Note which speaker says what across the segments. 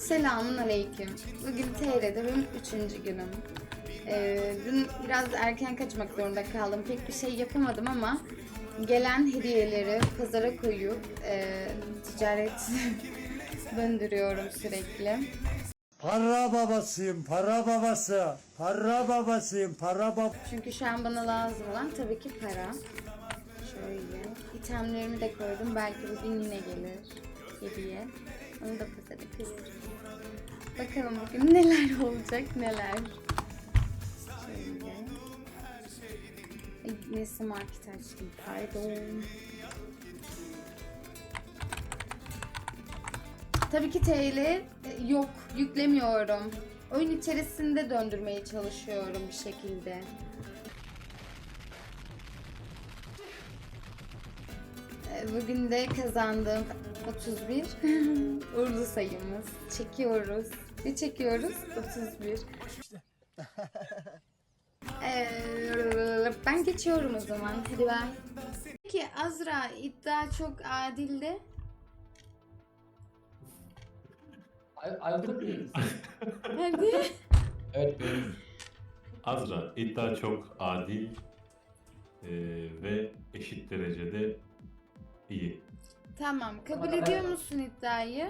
Speaker 1: Selamun aleyküm. Bugün TR'de benim 3. günüm. Dün biraz erken kaçmak zorunda kaldım. Pek bir şey yapamadım ama gelen hediyeleri pazara koyup ticaret döndürüyorum sürekli.
Speaker 2: Para babasıyım, para babası. Para babasıyım, para bab...
Speaker 1: Çünkü şu an bana lazım olan tabii ki para. Şöyle. İtemlerimi de koydum. Belki bugün yine gelir hediye. Onu da pazara koyuyorum. Bakalım bugün neler olacak, neler. Şöyle. Ay, neyse market açtım, pardon. Tabii ki TL yok, yüklemiyorum. Oyun içerisinde döndürmeye çalışıyorum bir şekilde. Bugün de kazandığım 31 uğurlu sayımız. Çekiyoruz. Ne çekiyoruz? 31. Ben geçiyorum o zaman. Hadi ben. Peki Azra, iddia çok adildi.
Speaker 3: Aykut Bey.
Speaker 1: Hadi.
Speaker 3: Evet benim.
Speaker 4: Azra, iddia çok adil ve eşit derecede iyi.
Speaker 1: Tamam. Kabul ediyor musun iddiayı?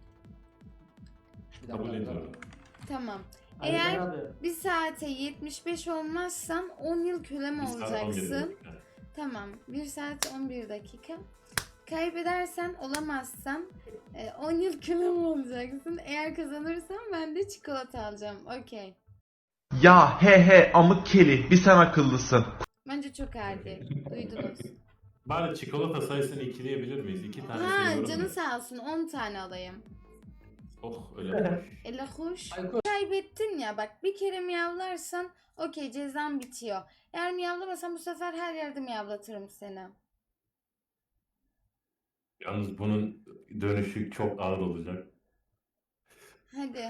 Speaker 4: Kabul ediyorum.
Speaker 1: Tamam.
Speaker 3: Ali
Speaker 1: Eğer
Speaker 3: abi.
Speaker 1: bir saate 75 olmazsan 10 yıl kölem
Speaker 4: Bir saat 11
Speaker 1: olacaksın.
Speaker 4: dakika.
Speaker 1: Tamam. 1 saat 11 dakika. Kaybedersen, olamazsan 10 yıl kölem olacaksın. Eğer kazanırsan ben de çikolata alacağım. Okey.
Speaker 5: Ya he he amık keli bir sen akıllısın.
Speaker 1: Bence çok adil. Duydunuz.
Speaker 4: Bari çikolata sayısını ikileyebilir miyiz? 2 tane
Speaker 1: Ha,
Speaker 4: seviyorum
Speaker 1: canı
Speaker 4: ya.
Speaker 1: sağ olsun, 10 tane alayım.
Speaker 4: Oh öyle hoş.
Speaker 1: Ele hoş.
Speaker 3: Aykut.
Speaker 1: Kaybettin ya, bak bir kere miyavlarsan okey, cezan bitiyor. Eğer miyavlamasan bu sefer her yerde miyavlatırım seni.
Speaker 4: Yalnız bunun dönüşü çok ağır olacak.
Speaker 1: Hadi.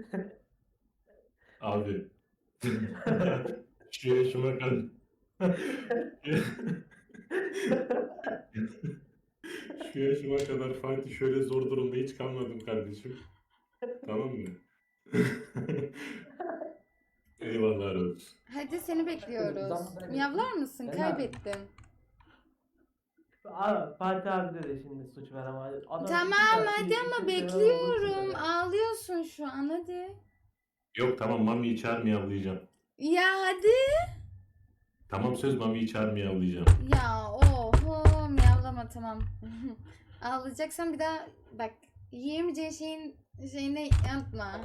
Speaker 4: Abi. Şu yaşıma kadar. Şu yaşıma kadar Fatih şöyle zor durumda hiç kalmadım kardeşim. Tamam mı? Eyvallah olsun.
Speaker 1: Hadi seni bekliyoruz. Miyavlar mısın?
Speaker 3: Ben
Speaker 1: Kaybettin.
Speaker 3: Fatih abi de şimdi suç ver ama. Adam
Speaker 1: Tamam hadi ama bekliyorum. Ağlıyorsun şu an, hadi.
Speaker 4: Yok tamam Mami'yi çağır miyavlayacağım.
Speaker 1: Ya hadi.
Speaker 4: Tamam söz Mami'yi çağır miyavlayacağım.
Speaker 1: Ya oho, miyavlama, tamam. Ağlayacaksan bir daha bak, yiyemeyeceğin şeyini yapma.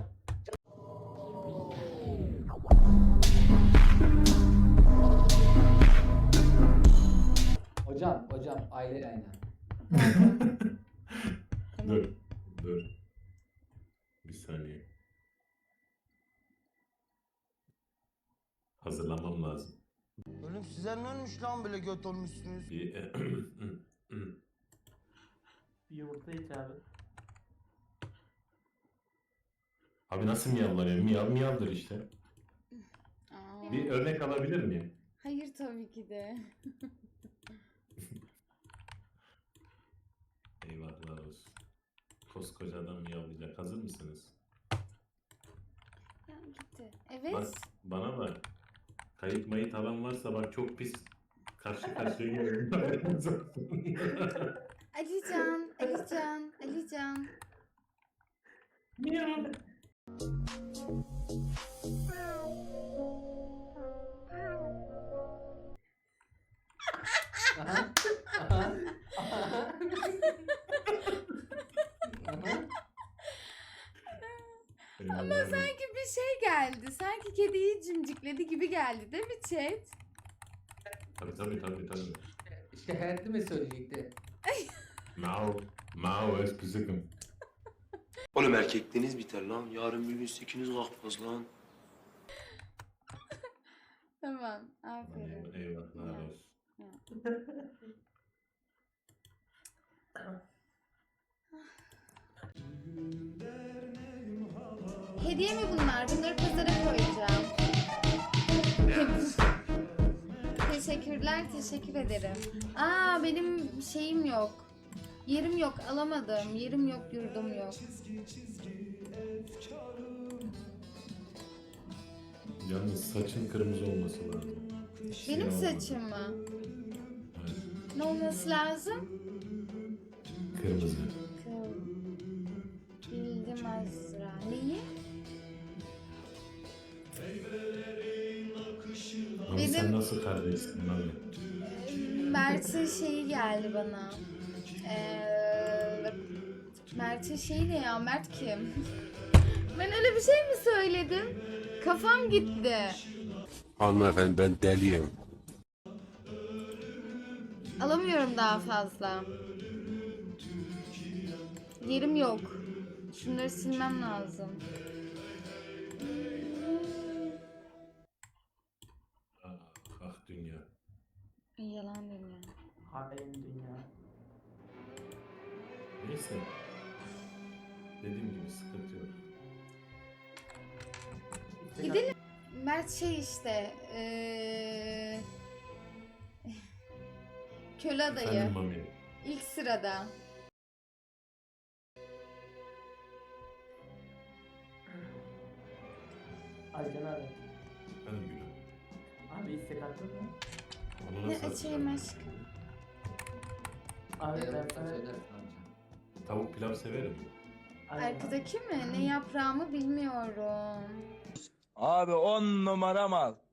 Speaker 3: Hocam aile aynen.
Speaker 4: Dur. Dur. Bir saniye. Hazırlanmam lazım.
Speaker 6: Oğlum size ne olmuş lan böyle göt olmuşsunuz?
Speaker 4: Bir...
Speaker 3: Bir yumurta iç abi.
Speaker 4: Abi nasıl miyavlanıyor? Miyav miyavdır işte.
Speaker 1: Aa,
Speaker 4: Bir örnek alabilir miyim?
Speaker 1: hayır tabii ki de.
Speaker 4: Eyvallah olsun. Koskoca adam miyavlayacak. Hazır mısınız?
Speaker 1: Ya gitti. Evet.
Speaker 4: Bak bana bak. Kayıp mayıt alan varsa bak çok pis karşı karşıya geliyorum.
Speaker 1: Alican, Alican, Alican.
Speaker 4: Miyav.
Speaker 3: Aha. Aha. Aha. Aha.
Speaker 1: Ama sanki bir şey geldi. Sanki kediyi cimcikledi gibi geldi değil mi chat?
Speaker 4: Tabii.
Speaker 3: İşte hayatı mı söyleyecekti?
Speaker 4: Mau es pisikim.
Speaker 7: Oğlum erkekliğiniz biter lan. Yarın bir gün sikiniz kalkmaz lan.
Speaker 1: Tamam, aferin.
Speaker 4: Eyvallah
Speaker 1: Ya.
Speaker 4: olsun.
Speaker 1: Hediye mi bunlar? Bunları pazara koyacağım. Teşekkürler, teşekkür ederim. Aa, benim şeyim yok. Yerim yok, alamadım. Yerim yok, yurdum yok.
Speaker 4: Yalnız saçın kırmızı olması lazım.
Speaker 1: Benim
Speaker 4: Siyah
Speaker 1: saçım mı?
Speaker 4: Evet,
Speaker 1: Ne olması lazım?
Speaker 4: kırmızı.
Speaker 1: Bildim Azra. Neyi?
Speaker 4: Abi
Speaker 1: Benim-
Speaker 4: sen nasıl kardeşsin abi?
Speaker 1: Mert'in şeyi geldi bana. Mert'in şeyi ne ya? Mert kim? Ben öyle bir şey mi söyledim? Kafam gitti.
Speaker 7: Hanımefendi ben deliyim.
Speaker 1: Alamıyorum daha fazla. Yerim yok. Şunları silmem lazım.
Speaker 4: Ah dünya.
Speaker 1: Yalan dünya.
Speaker 3: Hain dünya.
Speaker 4: Neyse. Dediğim gibi sıkıntı yok.
Speaker 1: Gidelim. Mert şey işte. Köle adayı.
Speaker 4: Efendim Mami.
Speaker 1: İlk sırada.
Speaker 3: Aycan abi.
Speaker 4: Efendim gülüm.
Speaker 3: Abi istek attın mı?
Speaker 4: Onu
Speaker 1: Ne
Speaker 4: nasıl
Speaker 1: açayım
Speaker 4: atacağım?
Speaker 1: aşkım?
Speaker 3: Abi ben sana...
Speaker 4: Tavuk pilav severim.
Speaker 1: Arkadaki mi? Ne yaprağımı bilmiyorum.
Speaker 6: Abi 10 numara mal.